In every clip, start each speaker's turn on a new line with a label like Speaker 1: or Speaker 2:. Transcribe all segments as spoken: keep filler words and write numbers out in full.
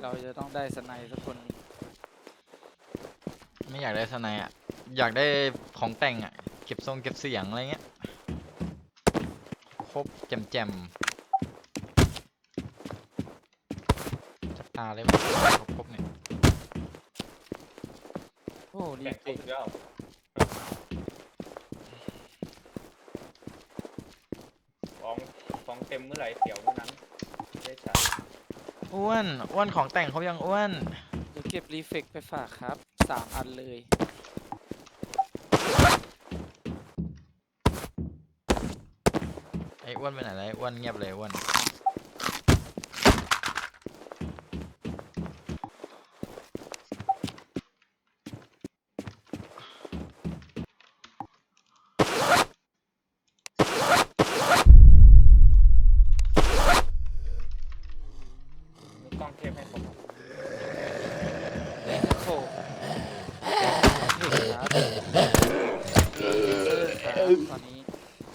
Speaker 1: เราจะต้องได้สไนด์สักคนหนึ่ง
Speaker 2: ไม่อยากได้สไนอ่ะอยากได้ของแต่งอ่ะเก็บทรงเก็บเสียงอะไรเงี้ยครบแจมแจมจับตาเลยมั้ยครบครบเนี่ย
Speaker 1: โอ้ดี
Speaker 3: แบ่งคร
Speaker 1: เก่
Speaker 3: บ
Speaker 1: ง
Speaker 3: แล้วของของเต็มเมื่อไหร่เดี๋ยวเมื่อนั้นได้ใช้
Speaker 2: อ้วนอ้วนของแต่งเขายังอ้วน
Speaker 1: เดี๋ยวเก็บรีเฟกไปฝากครับสามอันเลย
Speaker 2: ไอ้อ้วนไปไหนเลยอ้วนเงียบเลยอ้วน
Speaker 3: มีกล้องเทปให้ผม
Speaker 1: โคเห็นครับมีเลเซอร์ครับตอนนี้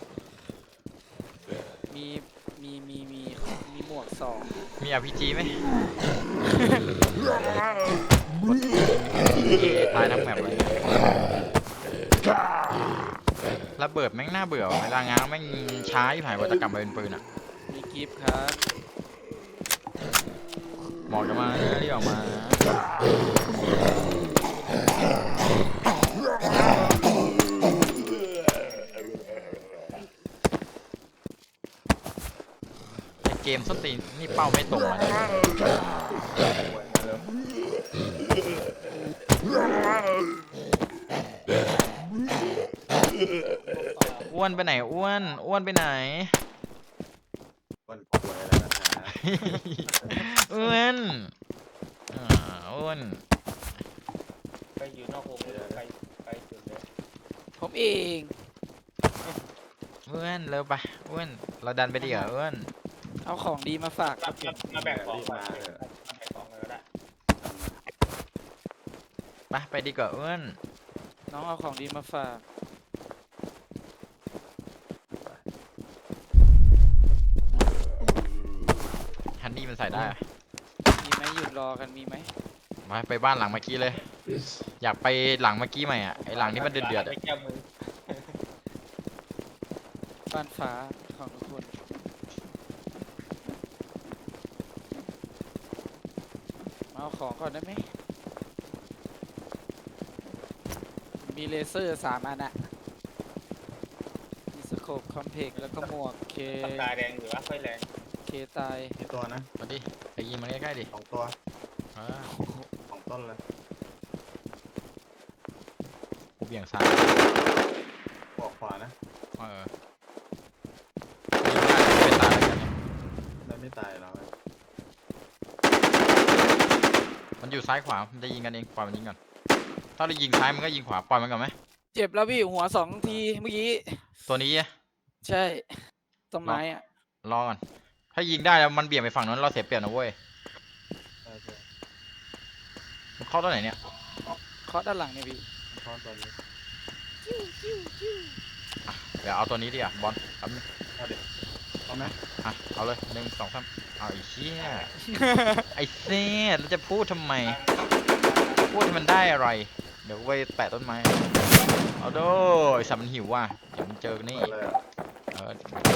Speaker 1: มีมีมีมีมีหมวกสอง
Speaker 2: มี อาร์ พี จี ไหมตายทั้งแมปเลยระเบิดแม่งน่าเบื่อเวลาง้างแม่งช้าที่ผ่านกว่าจะกลับมาเป็นปืนอ่ะ
Speaker 1: มีกิฟต์ครับ
Speaker 2: บอกจะมานะที่ออกมาในเกมส้นตีนนี่เป้าไม่ตรงมาเลยอ้วนไปไหนอ้วนอ้วนไปไหน
Speaker 4: คนป่วยแล้วนะฮะ
Speaker 2: อ้วนอ่าอ้วน
Speaker 3: ไปอยู่นอกวงเลยไปไปจุดเลย
Speaker 1: ผมเอง
Speaker 2: อ้วนเร็วไปอ้วนเราดันไปดีกว่าอ้วน
Speaker 1: เอาของดีมาฝากค
Speaker 3: มา
Speaker 1: รับผม
Speaker 3: มาแบ่งของก่อนมาแบ่งของเลยก็ได้
Speaker 2: ไปไปดีกว่าอ้วน
Speaker 1: น้องเอาของดีมาฝาก
Speaker 2: ฮันนี่มันใส่ได้อะ
Speaker 1: มีไหมหยุดรอกันมีไหม
Speaker 2: มาไปบ้านหลังเมื่อกี้เลย อยากไปหลังเมื่อกี้ใหม่อ่ะไอหลังที่มันเดือดเดือดๆ
Speaker 3: ไป
Speaker 2: อะ
Speaker 3: แก้มือ
Speaker 1: บ้านฟ้าของทุกคนมาเอาของก่อนได้ไหมมีเลเซอร์สามอันอะมีสโคปคอมเพกแล้วก็หมวกเค
Speaker 3: ปากกาแดงหรือว่าค่อยแรง
Speaker 1: เคตาย
Speaker 4: มีตัวนะ
Speaker 2: มาดิไปยิงมันใกล้ๆดิ
Speaker 4: สองตัว
Speaker 2: เออ
Speaker 4: สองต้นเลย
Speaker 2: กูเบี่ยงซ้าย
Speaker 4: บอกขวานะ
Speaker 2: เออยิงได้แต่ไม่ตายแล้วกันเนี่ย
Speaker 4: ได้ไม่ตายเรา
Speaker 2: มันอยู่ซ้ายขวามันจะยิงกันเองปล่อยมันยิงก่อนถ้าเรายิงซ้ายมันก็ยิงขวาปล่อยมันก่อนไหม
Speaker 1: เจ็บแล้วพี่หัวสองทีเมื่อกี้
Speaker 2: ตัวนี้อะ
Speaker 1: ใช่ต้นไม้อะ
Speaker 2: รอก่อนถ้ายิงได้แล้วมันเบี่ยงไปฝั่งนั้นเราเสียเปรียบนะเว้ย
Speaker 4: ใช่ใช่
Speaker 2: มันเข้าตัวไหนเนี่ย
Speaker 1: เคาะด้านหลังเนี่ยพี่
Speaker 4: ข้อตัวนี้
Speaker 2: เดี๋ยวเอาตัวนี้ดิอ่ะบอลแป๊บนึง
Speaker 4: เอาเด็กเอาไหม
Speaker 2: อ่ะเอาเลยหนึ่งสองสามเอาไอ้เชี่ย ไอ้เซ่แล้วจะพูดทำไม พูดให้มันได้อะไร เดี๋ยวไปแปะต้นไม้ เอาโดไอ้สัตว์มันหิวว่ะเดี๋ยวมันเจอนี่
Speaker 4: เอาเลยอ่ะ
Speaker 2: เออ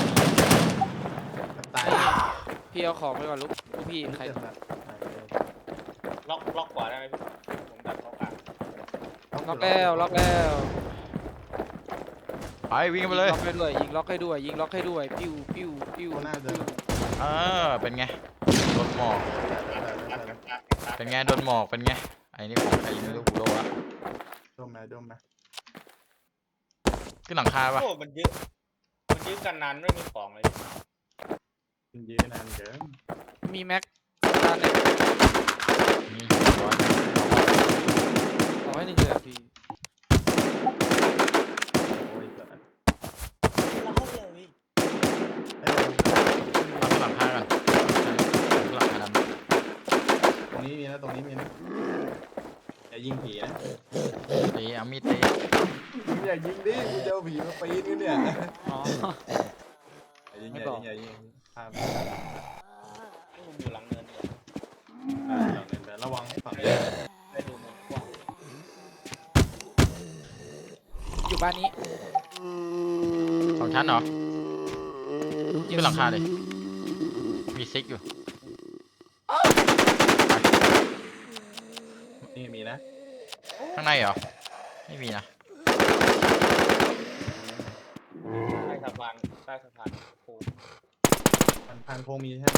Speaker 4: ตาย
Speaker 1: พี่เอาของไปก่อนลูกลูกพี่ใคร
Speaker 4: เจ็บแล้วตายเลย
Speaker 3: ล็อกล็อกขวาได้ไหมพี่ผมดันเข้ากลาง
Speaker 1: ล็อกแล้วล็อกแล้ว
Speaker 2: ไปวิ่งกันไปเลย
Speaker 1: ล็อกให้ด้วยยิงล็อกให้ด้วยยิงล็อกให้ด้วยปิ้วปิ้วปิ้ว
Speaker 4: ตัวหน้าเดิน
Speaker 2: เออเป็นไงโดนหมอก
Speaker 4: ตายแล้วตายแล้ว
Speaker 2: เป็นไงโดนหมอกเป็นไงไอ้นี่ของใครไม่รู้กูโดนละ
Speaker 4: ดมไหมดมไหม
Speaker 2: ขึ้นหลังคาปะ
Speaker 3: โอ้มันยืดมันยืดกันนานไม่มีของเลย
Speaker 4: ยืนยืนนานเกิน
Speaker 1: มีแม็กตาเนี่ย
Speaker 2: มีร้อย
Speaker 1: เอาให้หนึ่งเลยอะพี่
Speaker 4: โอ้ยเกิด
Speaker 3: เราเข้าเร็วอีก
Speaker 4: เอ้ย
Speaker 2: เอาขึ้นหลังคากันขึ้นหลังคาดำ
Speaker 4: ตรงนี้มีนะตรงนี้มีนะอย่ายิงผีนะ
Speaker 2: ตีเอามีดตี
Speaker 4: อย่ายิงดิกูจะเอาผีมาปีนกันเนี่ย
Speaker 1: อ๋อ
Speaker 4: อย่ายิง
Speaker 1: ไม่
Speaker 4: อย่า
Speaker 1: บอก
Speaker 4: ยิงอย่ายิงภาพ
Speaker 3: มันอยู่หลังเนินเนี่ย
Speaker 4: อ่าหลังไหนฝั่งนี้
Speaker 3: ได้ดูมุมกว้าง
Speaker 1: อยู่บ้านนี้
Speaker 2: สองชั้นเหรอขึ้นหลังคาเลยมีซิกอยู่
Speaker 4: นี่มีนะ
Speaker 2: ข้างในเหรอไม่มีนะ
Speaker 3: ใต้สะพานใต้สะพานโค้ง
Speaker 4: มันพันโคงมีใช่ไหม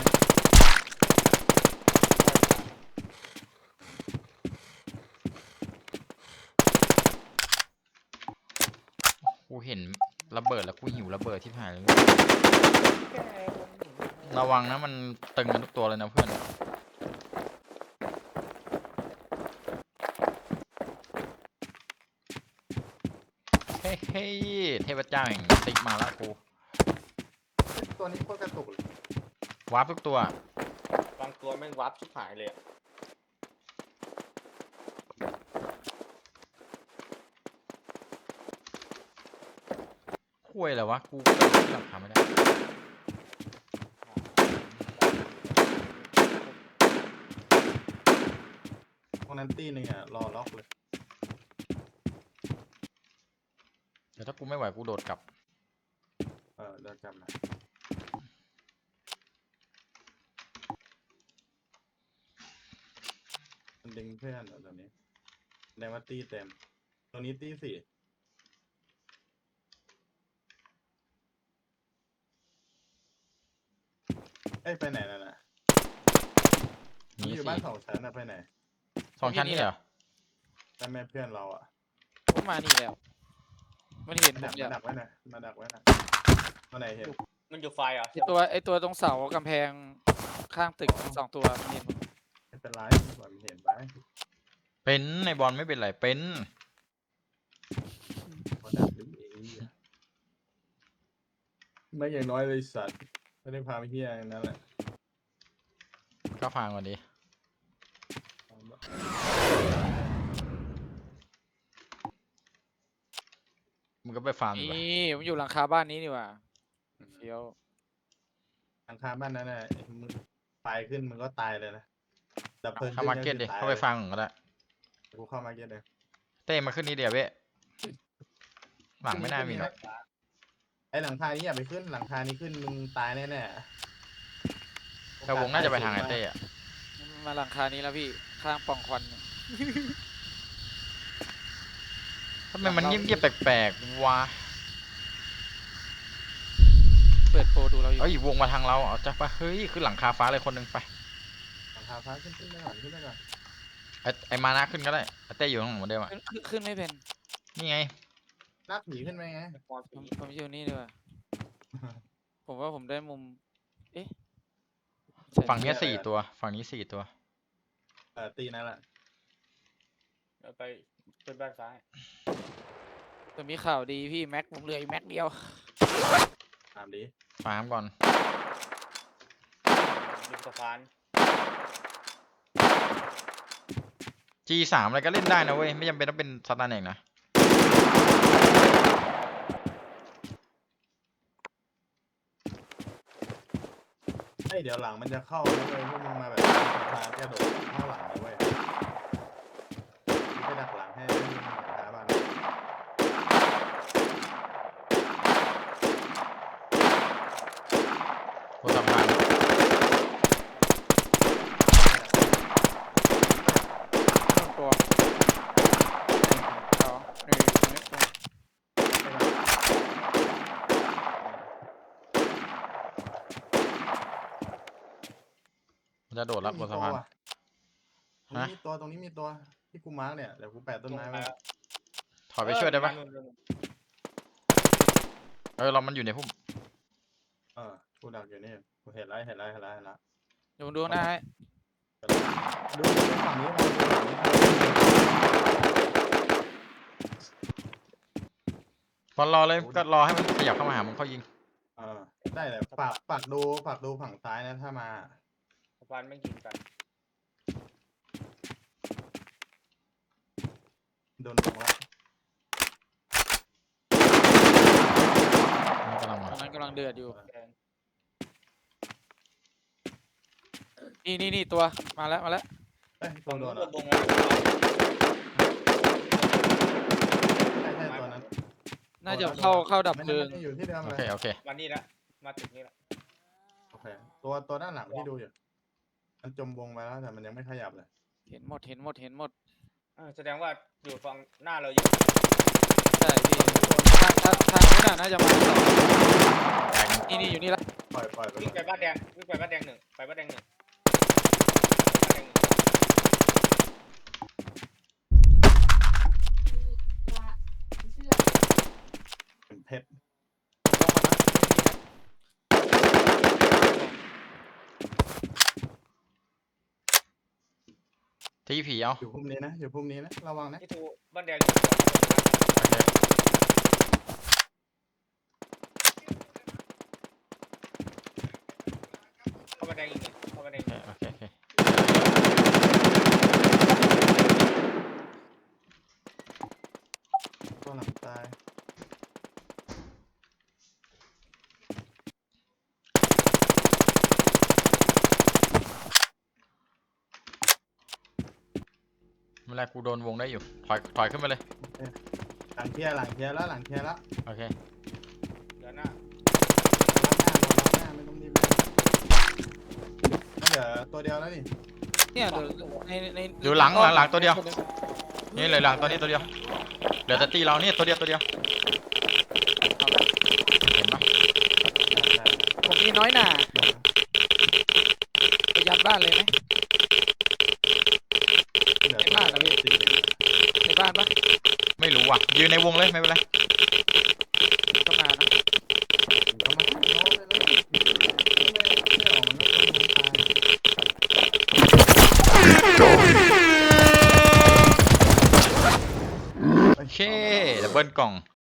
Speaker 2: กูเห็นระเบิดแล้วกูหิวระเบิดที่ผ่านเลยระวังนะมันตึงกันทุกตัวเลยนะเพื่อนเฮ้ยเฮ้ยเทพเจ้าแห่งติ๊กมาแล้วกู
Speaker 4: ตัวนี้โคตรกระตุกเลย
Speaker 2: วาร์ปทุกตัว
Speaker 3: บางตัวแม่งวับชิบหายเลยอะ
Speaker 2: คุยอะไรวะกูก็ขึ้นหลังคาไม่ได้
Speaker 4: พวกนั้นตีหนึ่งอ่ะรอล็อกเลย
Speaker 2: เดี๋ยวถ้ากูไม่ไหวกูโดดกลับ
Speaker 4: เออเดินกลับมามันดึงเพื่อนเหรอตัวนี้แสดงว่าตีเต็มตัวนี้ตีสี่เอ้ยไปไหนน่ะน่ะ
Speaker 2: นี่
Speaker 4: อยู่
Speaker 2: สิ
Speaker 4: บ้านสองชั้นนะไปไหน
Speaker 2: สองชั้นนี่เหรอ
Speaker 4: แต่แม่เพื่อนเราอ่ะ
Speaker 1: ผมมานี่แล้วมันเห็น
Speaker 4: มา
Speaker 1: ผ
Speaker 4: ดั
Speaker 1: ม
Speaker 4: ก
Speaker 1: แล้ว
Speaker 4: มาดักไว้นะมาดักไว้นะตัวไหนเห็น
Speaker 3: มันอยู่ไฟเหรอ่ะ
Speaker 1: ไอตัวไอตัวตรงเสากำแพงข้างตึกสองตัวมันเห็นผม
Speaker 4: ไม่เป็นไรก่อนเห็นไป
Speaker 2: เป็นในบอลไม่เป็นไรเป็น
Speaker 4: มาดักดิเอ้ยไม่อย่างน้อยเลยสัตว์ไม่ได้พาไปเที่ยอย่างนั้นแหละ
Speaker 2: ก็ฟังก่อนดิมึงก็ไปฟาร์มดีกว่า
Speaker 1: นี่ผมอยู่หลังคาบ้านนี้นี่หว่าเฟี้ยว
Speaker 4: ทางคาบ้านนั้นน่ะมึงไฟขึ้นมึงก็ตายเลยนะดับเพลิง
Speaker 2: เข้ามาร์เก็ตดิเข้าไปฟาร์มก่อนก็ได้
Speaker 4: กูเข้ามาร์เก็ตเลย
Speaker 2: เต้มาขึ้นนี่เดียวเว้ยหลังไม่น่ามีหรอก
Speaker 4: ไอหลังคานี้อย่าไปขึ้นหลังคานี้ขึ้นมึงตายแน่แน่
Speaker 2: แต่วงน่าจะไปทางไอเต้อะ
Speaker 1: มาหลังคานี้แล้วพี่ข้างปล่องควันเนี่ย
Speaker 2: ทำไมมันเงียบๆแปลกๆวะ
Speaker 1: เปิดโปรดูเราอยู่
Speaker 2: เอ้ยวงมาทางเราเอาจ้ะปะเฮ้ยขึ้นหลังคาฟ้าเลยคนหนึ่งไป
Speaker 4: หลังคาฟ้าขึ้นขึ้นไปก่อนขึ้นไปก่อน
Speaker 2: ไอไอมานะขึ้นก็ได้ไอเต้อยู่ข้างหลังเหมือนเดิมอะ
Speaker 1: ขึ้นขึ้นขึ้นไม่เป็น
Speaker 2: นี่ไง
Speaker 4: ลากหนีขึ้นไปไง
Speaker 3: มอน
Speaker 1: ผ
Speaker 3: ผี
Speaker 1: มผมอยู่นี่ดีกว่าผมว่าผมได้มุมเอ๊ะใช่
Speaker 2: ฝั่งเนี้ยสี่ตัว ฝั่งนี้สี่ตัว
Speaker 4: เออตีนั่นแหละ
Speaker 3: แล้วไปขึ้นบ้านซ้าย
Speaker 1: แต่มีข่าวดีพี่แม็กผมเหลืออีกแม็กเดียว
Speaker 4: ตามดี
Speaker 2: ฟาร์มก่อน
Speaker 3: ริมสะพาน
Speaker 2: จี สาม อะไรก็เล่นได้นะเว้ยไม่จำเป็นต้องเป็นสตาร์เน็กนะ
Speaker 4: เฮ้ยเดี๋ยวหลังมันจะเข้านะเว้ยพวกมึงมาแบบทางกระโดดเข้าหลังนะเว้ยไปดักหลังให้มึงหลังคาบ้าน
Speaker 2: โคตรสำคัญ
Speaker 1: ตัวสองหนึ่งหนึ่ง
Speaker 2: มันจะโดดรับบนสะพาน
Speaker 4: ตรงนี้มีตัวตรงนี้มีตัวที่กูมาร์กเนี่ยเดี๋ยวกูแปะต้นไม้ไว้
Speaker 2: ถอยไปช่วยได้ปะ
Speaker 3: เออนู่น
Speaker 2: เออเรามันอยู่ในพุ่ม
Speaker 4: เออกูดักอยู่นี่กูเห็นแล้วเห็นแล้วเห็นแล้วเห็นแล้ว
Speaker 1: เดี๋ยวผมดูหน้าให้
Speaker 4: ดูฝั่งนี้มาดูฝั่งนี้มา
Speaker 2: บอลรอเลยก็รอให้มันขยับเข้ามาหามันเขายิง
Speaker 4: เออได้เลยฝากฝากดูฝากดูฝั่งซ้ายนะถ้ามา
Speaker 3: สะพานไม่ยิงกัน
Speaker 4: โดนลงแล้ว
Speaker 2: มันกำลัง
Speaker 1: ต
Speaker 2: มา
Speaker 1: อนนั้นกำลังเดือดอยู่
Speaker 3: แดง
Speaker 1: นี่นี่นี่ตัวมาแล้วมาแล้ว
Speaker 4: เอ้เอ้ยตั
Speaker 3: ฝั่
Speaker 4: ว
Speaker 3: ง
Speaker 4: โด
Speaker 3: นู้น
Speaker 4: น
Speaker 3: ร
Speaker 4: เหร
Speaker 3: ว
Speaker 4: อ
Speaker 3: มวงแล้ว
Speaker 4: ใช่ใช่ตัวนั้น
Speaker 1: น่าจะเข้าเข้าดับ
Speaker 4: ไม่
Speaker 1: เพลิ
Speaker 4: ได้
Speaker 1: ง
Speaker 4: ไม่ได้อยู่ที่เดิม
Speaker 2: โอ
Speaker 4: เลย
Speaker 2: เคโอเค
Speaker 3: มานี่ละมาถึงนี่ละ
Speaker 4: โอเคตัวตัวด้านหลังที่ดูอยู่มันจมวงไปแล้วแต่มันยังไม่ขยับเลย
Speaker 1: เห็นหมดเห็นหมดเห็นหมด
Speaker 3: อ่าแสดงว่าอยู่ฝั่งหน้าเราเยอะ
Speaker 1: ใช่พี่ทางทางทางนู้นน่ะน่าจะมาสอง
Speaker 2: แตก
Speaker 1: นี่นี่อยู่นี่ละ
Speaker 4: ปล่อยปล่อยไป
Speaker 3: วิ่ง
Speaker 4: ก่
Speaker 3: ไป
Speaker 4: อน
Speaker 3: บ้านแดงวิ่งไปบ้านแดงหนึ่งไปบ้านแดงหนึ่งบ้านแดงหนึ่ง
Speaker 4: เป็นเพชร
Speaker 2: ที่ผีเอา
Speaker 4: อยู่พุ่มนี้นะอยู่พุ่มนี้นะระวังนะ
Speaker 3: ที่ทูบ้านแดงอยู่สอง
Speaker 2: โอเค
Speaker 3: เข้าบ้านแดงอีกหนึ่งเข้าบ้านแดง
Speaker 2: โอ
Speaker 3: อีกห
Speaker 2: เค
Speaker 3: นึ่ง
Speaker 2: โอเคโอเค
Speaker 4: ตัวหลังตาย
Speaker 2: เมื่อไรกูโดนวงได้อยู่ถอยถอยขึ้นมาเลย
Speaker 4: หลังเคลียร์หลังเคลียร์แล้วหลังเคลียร์แล้ว
Speaker 2: โอเค
Speaker 3: เดี๋ยวหน้า
Speaker 4: รับหน้ารอรับหน้าไม่ต้องรีบนั่นเดี๋ยวตัวเดียวแล้วนี่
Speaker 1: เนี่ยเดี๋ยวในใน
Speaker 2: อยู่หลังหลังหลังตัวเดียว นี่เลยหลังตัวนี้ตัวเดียวเหลือแต่ตีเราเนี่ยตัวเดียวตัวเดียวเห็นปะ
Speaker 1: ผมมีน้อยหน่าไปยัดบ้านเลยไหม
Speaker 4: เดี๋ยว
Speaker 1: ไม่พลาดนะพี่
Speaker 4: สี่เหลี่ยม
Speaker 1: ในบ้านปะ
Speaker 2: ไม่รู้ว่ะยืนในวงเลยไม่เป็นไร
Speaker 1: ก็มานะ
Speaker 4: เอามาให้น้องเลยนะไม่ไม่ออกมันก็ต้องตาย
Speaker 2: โอเคดับเบิลกล่อง